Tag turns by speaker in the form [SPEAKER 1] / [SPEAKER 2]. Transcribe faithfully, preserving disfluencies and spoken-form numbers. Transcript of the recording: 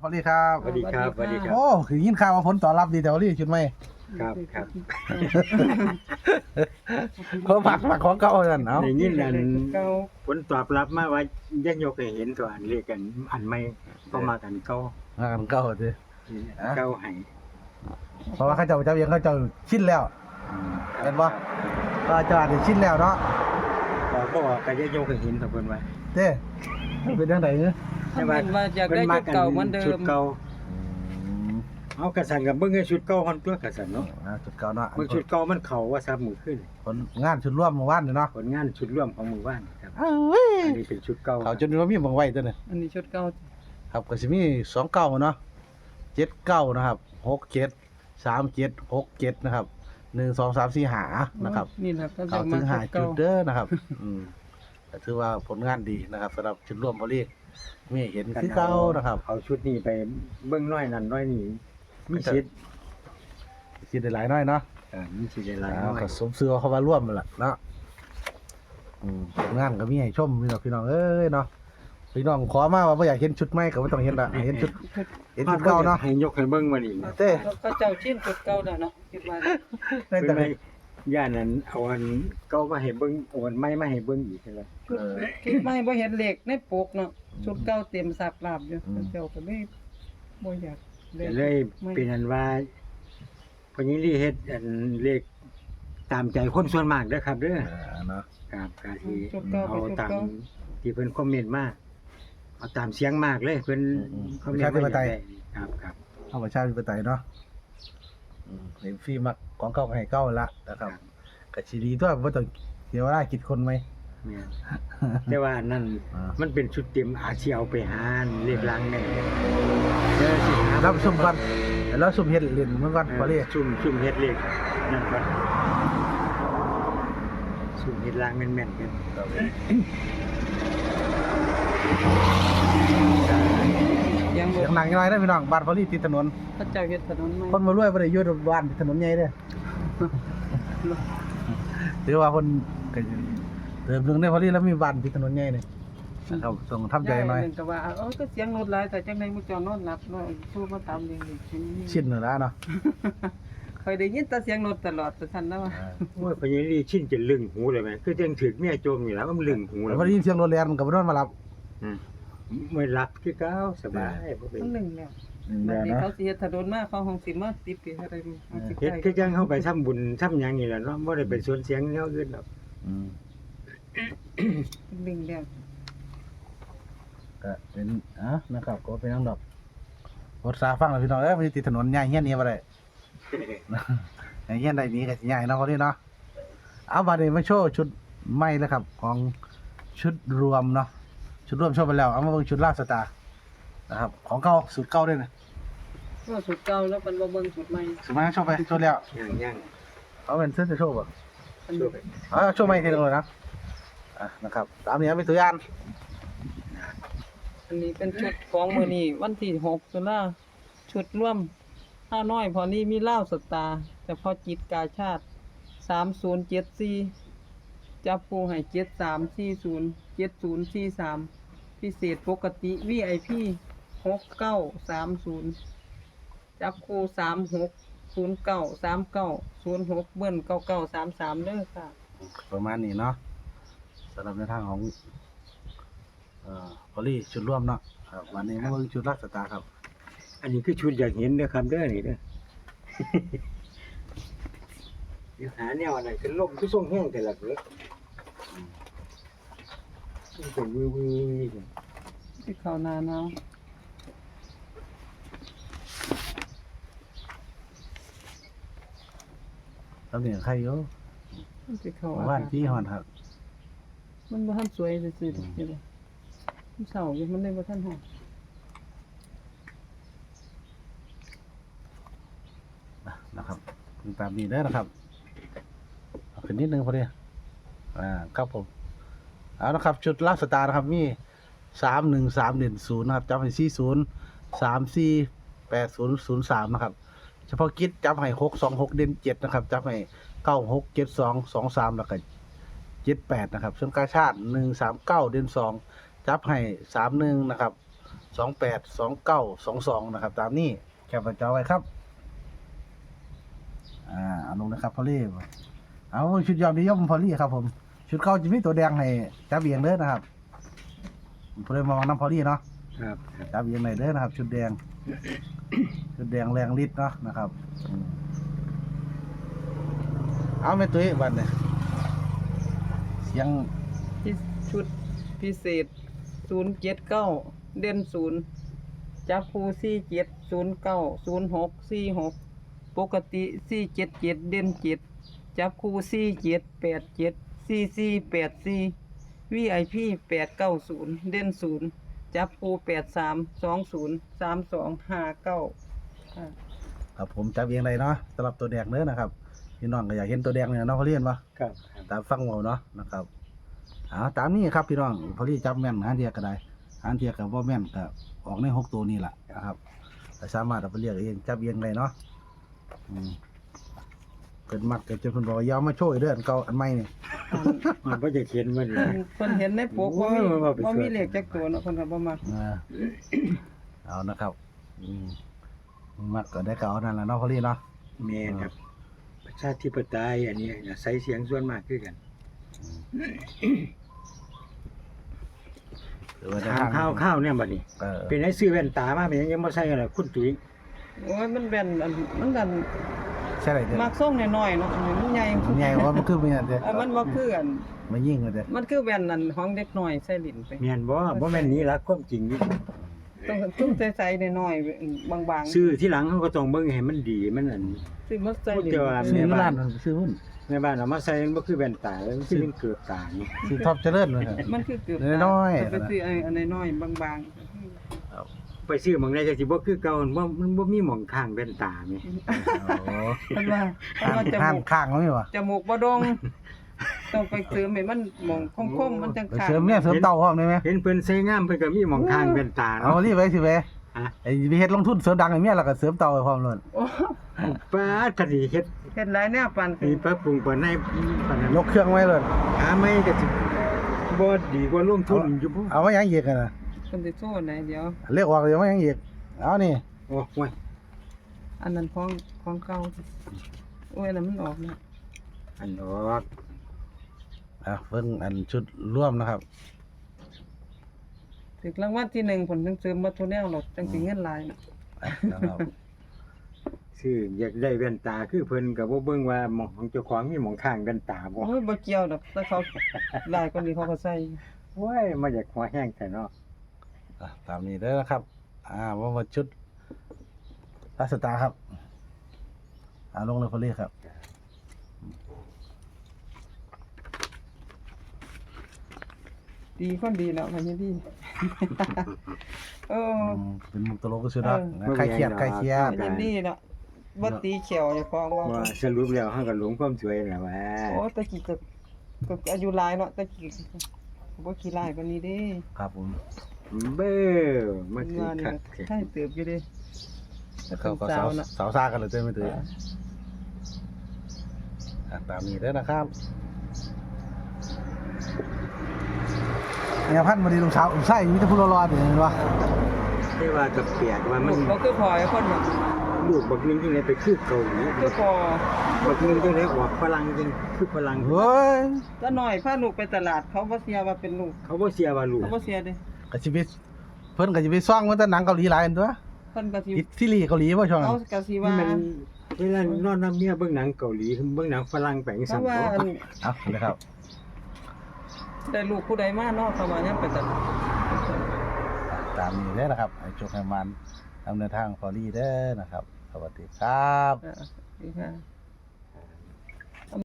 [SPEAKER 1] สวัสดีครับ
[SPEAKER 2] สวัสดีครับสวัสดีครับ
[SPEAKER 1] โอ้คือยินข่าวว่าผลตอบรับดีแต่ว่ารีชุดไหม
[SPEAKER 2] ครับครับ
[SPEAKER 1] เขาผักผักของเก่ากันเนาะ
[SPEAKER 2] ในยินอัน
[SPEAKER 3] เก่า
[SPEAKER 2] ผลตอบรับมาว่ายักยกให้เห็นตัวอันเรียกกันอันไม่ก็มากันเก่า
[SPEAKER 1] มากันเก่าสิ
[SPEAKER 2] เก่าให้
[SPEAKER 1] เพราะว่าเขาเจ้าเจ้าเองเขาเจ้าชินแล้ว เห็นบ่ ก็เจ้าอาจจะชินแล้วเนาะ
[SPEAKER 2] ก็ก็ว่าก็ยักยกให้เห็นตัวเพิ่นว่า
[SPEAKER 1] เด้เป็นจังไดเนาะ
[SPEAKER 3] ท่านเป็นว่าอยากได้ชุดเก่าเหมือนเดิ
[SPEAKER 2] ชุด
[SPEAKER 3] ม
[SPEAKER 2] เก่าเอากระสันกับเบิ่งให้ชุดเก่าคนตัวกระสันเนาะ
[SPEAKER 1] อ่าชุดเก่าเนาะ
[SPEAKER 2] เบิ่งชุดเก่ามันเข้าว่าซับมือขึ้น
[SPEAKER 1] ผลงานชุดร่วมเมื่อวานนี่เนาะ
[SPEAKER 2] ผลงานชุดร่วมของหมู่บ้านครับ
[SPEAKER 1] เอ้ย
[SPEAKER 2] อันนี้เป็นชุดเก่า
[SPEAKER 1] เขาจนว่ามีบางไว้ตัวนึง
[SPEAKER 3] อันนี้ชุดเก่า
[SPEAKER 1] ครับก็สิมีสองเก้าเนาะเจ็ดเก้านะครับหกเจ็ดสามเจ็ดหกเจ็ดนะครับหนึ่งสองสามสี่หานะครับ
[SPEAKER 3] นี่แหละก็
[SPEAKER 1] เขา
[SPEAKER 3] จะ
[SPEAKER 1] ถึ
[SPEAKER 3] มาง
[SPEAKER 1] หา
[SPEAKER 3] ชุด
[SPEAKER 1] จุ
[SPEAKER 3] เก่า
[SPEAKER 1] ดเด้อนะครับ อืมก็ถือว่าผลงานดีนะครับสำหรับชุดร่วมพอลีมีเห็นคือเก่านะครับ
[SPEAKER 2] เอาชุดนี้ไปเบิ่งน้อยนั่นน้อยนี่มีสิทธิ์
[SPEAKER 1] สิได้หลายน้อยเนาะ
[SPEAKER 2] เออมีสิทธิ์ได้หลาย
[SPEAKER 1] อ่า
[SPEAKER 2] น้อย
[SPEAKER 1] ก็สมเสือเขาว่าร่วมนั่นแหละเนาะอืมผลงานก็มีให้ชมพี่น้องพี่น้องเอ้ยเนาะพี่น้องขอมาว่าบ่อยากเห็นชุดใหม่ก็บ่ต้องเห็นละเห็นชุดเห็นชุดเก่าเนาะ
[SPEAKER 2] ให้ยกให้เบิ่งมานี่
[SPEAKER 1] เต้
[SPEAKER 3] ก็เจ้าชิ้นชุดเก่าแล้วเนาะคิดว่า
[SPEAKER 1] ได้
[SPEAKER 2] เพิ่
[SPEAKER 1] แต่
[SPEAKER 2] นให้ย่านนั้นเอาอันเก่ามาให้เบิ่งเอาอันใหม่มาให้เบิ่งอีกนั่นแหละ
[SPEAKER 3] ชุดชุดใหม่บ่เห็นเหล็กในปกเนาะชุดเก่าเต็มสับลาบอยู่เจ้าก็เลยบ่อยาก
[SPEAKER 2] ก็เลยเป็นอันว่าพญิรีเฮ็ดอันเลขตามใจคนส่วนมากเด้อครับเด้อ
[SPEAKER 1] อ่าเนาะ
[SPEAKER 2] ครับก็สิ
[SPEAKER 3] ชุดเก่า
[SPEAKER 2] เอา
[SPEAKER 3] ไปชุด
[SPEAKER 2] ตาม
[SPEAKER 3] เก่า
[SPEAKER 2] ที่เพิ่นคอมเมนต์มาเอาตามเสียงมากเลยเพิ่นคอมเมนต์มาอย่างไรครับครับ
[SPEAKER 1] เอาประชาธิปไตยเนาะอืมเห็นฟรีมักของเก่าก็ให้เก่าละนะครับก็สิดีตัวบ่ต้องเสียเวลาคิดคนไหม
[SPEAKER 2] แม่นแต่ว่าอันนั้น
[SPEAKER 1] อ่ามั
[SPEAKER 2] มันเป็นชุดเต็มอาจสิเอาไปหาเลขลังแน่เด้อสิหา
[SPEAKER 1] รับซุ่มก่อนแล้วซุ่มเฮ็ดเล่นมันก่อนพอลี
[SPEAKER 2] ซุ่มซุ่มเฮ็ดเลขนั่นก่อนซุ่มเฮ็ดลังแม่นๆกัน
[SPEAKER 3] ยังบ่
[SPEAKER 1] เสียงหนังยังไงได้อพี่น้องบ้านพอลีติดถนน
[SPEAKER 3] พระเจ้าเฮ็ดถนนใหม่
[SPEAKER 1] คนมารวยบ่ได้อยู่บ้านติดถนนใหญ่เด้อถือว่าเพิ่นก็เติมเรื่องในพอลีแล้วมีบ้านติดถนนใหญ่นี่นะครับต้องทำใจหน่อย
[SPEAKER 3] นึงก็ว่าเออก็เสียงรถหลายแต่จังได๋มื้อเจ้านอนหลับเนาะสู้มาตามเรื่องนี้
[SPEAKER 1] ชินนั่นล่ะเนาะ
[SPEAKER 3] ค่อยได้ยินแต่เสียงรถตลอดแต่ซั่นแล้วว่า
[SPEAKER 2] โอ้ยพญานีชินจะลึงหูเลยแม่คือจังถึกเมียโจมอยู่แล้วมันลึงหู
[SPEAKER 1] แล้
[SPEAKER 2] แล้ว ว
[SPEAKER 1] พอได้ยินเสียงรถแล่นมันก็บ่นอนมาหลับ
[SPEAKER 2] อืมไม่รับคือเก้าสบายบ่เป็น
[SPEAKER 3] มันหนึ่งแล้ว
[SPEAKER 1] แม่
[SPEAKER 3] บัดนี้
[SPEAKER 1] นะ
[SPEAKER 3] เขาสิเฮ็ดถนนมาเขาคงสิมาติดปีอะไรนี่เอาสิ
[SPEAKER 2] เฮ็ด
[SPEAKER 3] ใกล้
[SPEAKER 2] คือจังเฮาไปทำบุญทำหยังนี่แหละเนาะบ่ได้ไปสวนเสียงแนวอื่นหรอก
[SPEAKER 1] อืม
[SPEAKER 3] หนึ่งแล้ว
[SPEAKER 1] ก็เป็นอ่ะนะครับก็เป็นน้องดอกรถสาฟังแล้วพี่น้องเอ้ยมันติดถนนใหญ่เฮียนนี่บ่ได้ใหญ่เฮียนได้นี้ก็สิใหญ่เนาะพอดีเนาะเอาบัดนี้มาโชว์ชุดใหม่แล้วครับ ของชุดรวมเนาะชุดรวมโชว์ไปแล้วเอามาเบิ่งชุดลาบสตาร์นะครับของเก่าสูตรเก่าด้วยนะ
[SPEAKER 3] ก็สุดเก่าแล้วมันบ่เบิ่งสุดใหม่
[SPEAKER 1] สูตรใหม่โชว์ไปโชว์แล้ว
[SPEAKER 2] ย่างย่าง
[SPEAKER 1] เอาเป็นเสื้อจะโชว์บ่
[SPEAKER 3] อัน
[SPEAKER 2] ช่ว
[SPEAKER 3] นี้
[SPEAKER 2] ยไป
[SPEAKER 1] เอาโชว์ใหม่ทีนึงเลยนะอ่ะนะครับตามนี้เป็นตัวอย่าง
[SPEAKER 3] อันนี้เป็นชุดของมื้อนี้วันที่หกตุลาชุดร่วมห้าน้อยพอนี้มีลาวสตาร์เฉพาะจิตกาชาติสามศูนย์เจ็ดสี่จับปูให้เจ็ดสามสี่ศูนย์ เจ็ดศูนย์สี่สามพิเศษปกติ วี ไอ พี หกเก้าสามศูนย์จับคู่สามหกศูนย์เก้าสามเก้าศูนย์หกเบิ้ลเก้าเก้าสามสามเด้อค่ะ
[SPEAKER 1] ประมาณนี้เนาะสำหรับในทางของเอ่อพอลี่ชุดร่วมเนาะครับวันนี้มาเบิ่งชุดลาบสตาร์ครับ
[SPEAKER 2] อันนี้คือชุดอยากเห็นเด้อครับเด้อนี่เด้อ เดี๋ยวหาแนวอันไหนคือลมคือส่งแห้งแต่ละเด้อมันเป็นวื้อๆ
[SPEAKER 3] ที่เขาหนาหนาว
[SPEAKER 1] ตำแหน่งใครอยู่
[SPEAKER 3] ที่เขา
[SPEAKER 1] หมู่บ้านที่ฮอนครับ
[SPEAKER 3] มันบ่ทันสวยซื่อๆดอกนี่เลยมันเศร้าอยู่มันเลยบ่ทันหอม
[SPEAKER 1] นะครับตามนี้เด้อนะครับเอาขึ้นนิดนึงพอดีอ่าครับผมเอานะครับชุดลาบสตาร์นะครับมีสามหนึ่งสามเด่นศูนย์นะครับจับให้สี่ศูนย์สามสี่แปดศูนย์ศูนย์สามนะครับเฉพาะกิจจับให้หกสองหกเด่นเจ็ดนะครับจับให้เก้าหกเจ็ดสองสองสามแล้วก็เจ็ดแปดนะครับส่วนกาชาติหนึ่งสามเก้าเด่นสองจับให้สามหนึ่งนะครับสองแปดสองเก้าสองสองนะครับ ตามนี้แคปหน้าจอไว้ครับอ่าเอาลงนะครับพอลี่เอาชุดยอดนิยมพอลี่ครับผมชุดเข้าจะมีตัวแดงให้จับเบียงเด้อนะครับผมเลยมองน้ำพอลี่เนาะ
[SPEAKER 2] ครับ
[SPEAKER 1] จับเบียงไหนเด้อนะครับ ชุดแดง ชุดแดงแรงฤทธิ์เนาะนะครับอืมเอาไม่ตุ้ยบันเนี่ยเสียง
[SPEAKER 3] ที่ชุดพิเศษศูนย์เจ็ดเก้าเด่นศูนย์จับคู่สี่เจ็ดศูนย์เก้าศูนย์หกสี่หกปกติสี่เจ็ดเจ็ดเด่นเจ็ดจับคู่สี่เจ็ดแปดเจ็ดสี่สี่แปดสี่วีไอพีแปดเก้าศูนย์เด่นศูนย์จับคู่แปดสามสองศูนย์สามสองห้าเก้า
[SPEAKER 1] ครับผมจับเบียงไหนเนาะสำหรับตัวแดงเด้อนะครับพี่น้องก็อยากเห็นตัวแดงเนี่ยเนาะพอลี่เห็นปะ
[SPEAKER 2] ครับ
[SPEAKER 1] ตามฟังเว้าเนาะนะครับเอาตามนี้ครับพี่น้องพอลี่จับแม่นหาเทียก็ได้หาเทียกับว่าแม่นก็ออกในหกตัวนี่แหละนะครับแต่สามารถเอาไปเรียกเองจับเองเลยเนาะอืมเกิดมักเกิดจนเพิ่นบอกว่าอยาวมาโชว์อีกเด้ออันเก่าอันใหม่นี่
[SPEAKER 2] มันบ่จะเขียนมันเลย
[SPEAKER 3] เพิ่นเห็นในปกว่ามี
[SPEAKER 2] โอ้ยว่าไป
[SPEAKER 3] ว่ามี
[SPEAKER 2] ช่วย
[SPEAKER 3] เลขจักตัวเนาะเพิ่นก็บ่มัก
[SPEAKER 1] เออเอานะครับอืมมักก็ได้ก็เอานั่นแหละเนาะพอลี่เนาะ
[SPEAKER 2] แม่นครับ ประชาธิปไตยอันนี้อาศัยเสียงส่วนมากคือกัน
[SPEAKER 1] หรือว่าจะ
[SPEAKER 2] ถามข้าวข้าวเนี่ยบัดนี้
[SPEAKER 1] เออ
[SPEAKER 2] เป็นไอ้ซื้อแว่นตามาเป็นยังบ่ใส่กันล่ะคุณตุ้ย
[SPEAKER 3] โอ้ยมันแว่นอันมันดัน
[SPEAKER 1] ใช่เลยเด้อ
[SPEAKER 3] มักส่งน้อยๆเนาะอันนี้มันใหญ่
[SPEAKER 1] มันใหญ่ว่ามันคือมันเด้อ
[SPEAKER 3] เออมันบ่คืออัน
[SPEAKER 1] มันยิ่งเลยเด้อ
[SPEAKER 3] มันคือแว่นอันของเด็กน้อยใส่ลิ้นไป
[SPEAKER 2] แม่นบ่บ่แม่นนี้ละความจริงนี่
[SPEAKER 3] ต้องต้องใส่ๆน้อยๆบางๆ
[SPEAKER 2] ซื้อที่หลังเขาก็ต้องเบิ่งให้มันดีมันอัน
[SPEAKER 3] ซื้อมาใส่ลิ้น
[SPEAKER 2] พูดแต่ว่า
[SPEAKER 1] ซื้ออยู่ร้านมันซื้อหุ้น
[SPEAKER 2] แม่บ้านเอามาใส่มันบ่คือแว่นตาแล้วมันสิเป็นเกือบตานี่
[SPEAKER 1] ซื้อท็อปเจริญเลยครับ
[SPEAKER 3] มันคือเกือบ
[SPEAKER 1] น้อยๆ
[SPEAKER 3] ไปซื้อไอ้อันน้อยๆบาง
[SPEAKER 2] ไปซื้อหม่องใดก็สิบ่คือเก่าบ่มันบ่มีหม่องข้างแว่นตาแม่
[SPEAKER 1] โอ้
[SPEAKER 3] ๆเพิ่นว่าเพิ่น
[SPEAKER 1] ข้าง
[SPEAKER 3] ว่าจ
[SPEAKER 1] ข้าง
[SPEAKER 3] มูก
[SPEAKER 1] ข้างแล้วมีวะ
[SPEAKER 3] จมูกบ่ดงต้องไปเสริมให้มันหมองคมๆมันจัง
[SPEAKER 1] ไป
[SPEAKER 3] ขาด
[SPEAKER 1] เสริมเนี่ยเสริมเต่าพร้อมได้ไหม
[SPEAKER 2] เห็นเพิ่นใส่งามเพิ่นก็มีหม่องข้างแว่นตา
[SPEAKER 1] เอา
[SPEAKER 2] เนาะ
[SPEAKER 1] รีบไปสิเว้ย
[SPEAKER 2] ฮะ
[SPEAKER 1] ไอ้ไปเฮ็ดลงทุนเสริมดังไอ้เมียแล้วก็เสริมเต่าไปพร้อมเลย
[SPEAKER 3] โอ้
[SPEAKER 2] ป้าดก็สิเฮ็ด
[SPEAKER 3] เฮ็ดหลายแนวปาน
[SPEAKER 2] มีปรับปรุงปานในปานนั้น
[SPEAKER 1] ยกเครื่องไว้เลย
[SPEAKER 2] หาไม่ก็สิบ่ดีกว่าลงทุนอยู่บ่
[SPEAKER 1] เอาไว้ยังอีกกันนะ
[SPEAKER 3] เพิ่นสิโซ่ไหนเดี๋ยว
[SPEAKER 1] เรียกออกเดี๋ยวไว้ยังอีกเอานี่
[SPEAKER 2] โอ้ย
[SPEAKER 3] อันนั้นของของเก่าโอ้ยอันนั้นมันออกแล้ว
[SPEAKER 2] อันออก
[SPEAKER 1] อ่ะเพิ่งอันชุดร่วมนะครับ
[SPEAKER 3] ถึกรางวัลที่หนึ่งผลจังเสริมมาทุนแนวหรอกจังสิเงินหลายน่ะ
[SPEAKER 1] อ่ะนะครับ
[SPEAKER 2] ซื้ออยากได้แว่นตาคือเพิ่นก็บ่เบิ่งว่าหม่องของเจ้าของมีหม่องข้างแว่นตาบ่
[SPEAKER 3] โอ้ยบ่เกี่ยวดอกแต่เขาหลายคนนี้เขาก็ใส่
[SPEAKER 2] โอ้ยมาจากหัวแห้งแต่เนาะ
[SPEAKER 1] อ่ะตามนี้เด้อนะครับ อ่าว่ามาชุดรัสตาร์ครับอ่าลงเลยคนเรียกครับ
[SPEAKER 3] ดีคนดีแล้วมันยังดีเออ
[SPEAKER 1] อืมเป็นมุกตลกก็สุดนะ
[SPEAKER 3] เออ
[SPEAKER 1] ใครเครียดใครเครียด
[SPEAKER 3] มันยังดีแล้วบ่ตีเขียวอย่าฟ้องว่า
[SPEAKER 2] ว่าสรุปแล้วเฮาก็หลงความสวยแล้วว่า
[SPEAKER 3] โอ้ตะกี้ก็ก็อายุหลายเนาะตะกี้ก็บ่ขี้หลายปานนี้เด้
[SPEAKER 1] ครับผม
[SPEAKER 2] เบ้อมา
[SPEAKER 3] มัน
[SPEAKER 2] สิ
[SPEAKER 3] ว่านี่
[SPEAKER 2] คัก
[SPEAKER 3] ก็ใช่เติบอยู่เด้แต่
[SPEAKER 1] เขาก็
[SPEAKER 3] สา
[SPEAKER 1] สาว
[SPEAKER 3] วน่ะ
[SPEAKER 1] สาวซ่ากันเลยเจ้าไม่ตื่นอ่ะตามนี้เด้อนะครับเนี่ยพันมาดีลูกสาวอุ้มไส้มีแต่ผู้รอๆอยู่เห็นปะ
[SPEAKER 2] แต่ว่าก็เปียกว่ามัน
[SPEAKER 3] เขาคือพอไอ้คนน่ะ
[SPEAKER 2] ลูกบักนึงจังได๋ไปคือเกาหลี
[SPEAKER 3] คือพอ
[SPEAKER 2] บักนึงจังได๋ออกฝรั่งจังคือฝรั่ง
[SPEAKER 1] เฮ้ย
[SPEAKER 3] ถ้าน้อยพาลูกไปตลาดเขาบ่เสียว่าเป็นลูก
[SPEAKER 2] เขาบ่เสียว่าลูก
[SPEAKER 3] เขาบ่เสียเด้
[SPEAKER 1] กะชีวิตเพิ่นกะชีวิตซ่องมันแต่หนังเกาหลีหลายอันตัว
[SPEAKER 3] เพิ่นก็สิ
[SPEAKER 1] อิตซีรีส์เกาหลีบ่ช่วงนั้
[SPEAKER 3] เขา
[SPEAKER 1] น
[SPEAKER 3] ก็สิ
[SPEAKER 2] นี่
[SPEAKER 3] ว่า
[SPEAKER 2] มันเวลานอนนำเมียเบิ่งหนังเกาหลีเบิ่งหนังฝรั่งไปจัง
[SPEAKER 3] เพ
[SPEAKER 2] ซั่น
[SPEAKER 3] ราะว่า
[SPEAKER 2] บ่
[SPEAKER 3] อัน
[SPEAKER 1] เอาเลยครับ
[SPEAKER 3] ได้ลูกผู้ใดมาเนาะเขาว่ายังไปตลาด
[SPEAKER 1] ตามนี้เลยนะครับให้โชคให้มันดำเนินทางฟอรี่เด้อนะครับ สวัสดีครับ
[SPEAKER 3] อ่าดีค่ะ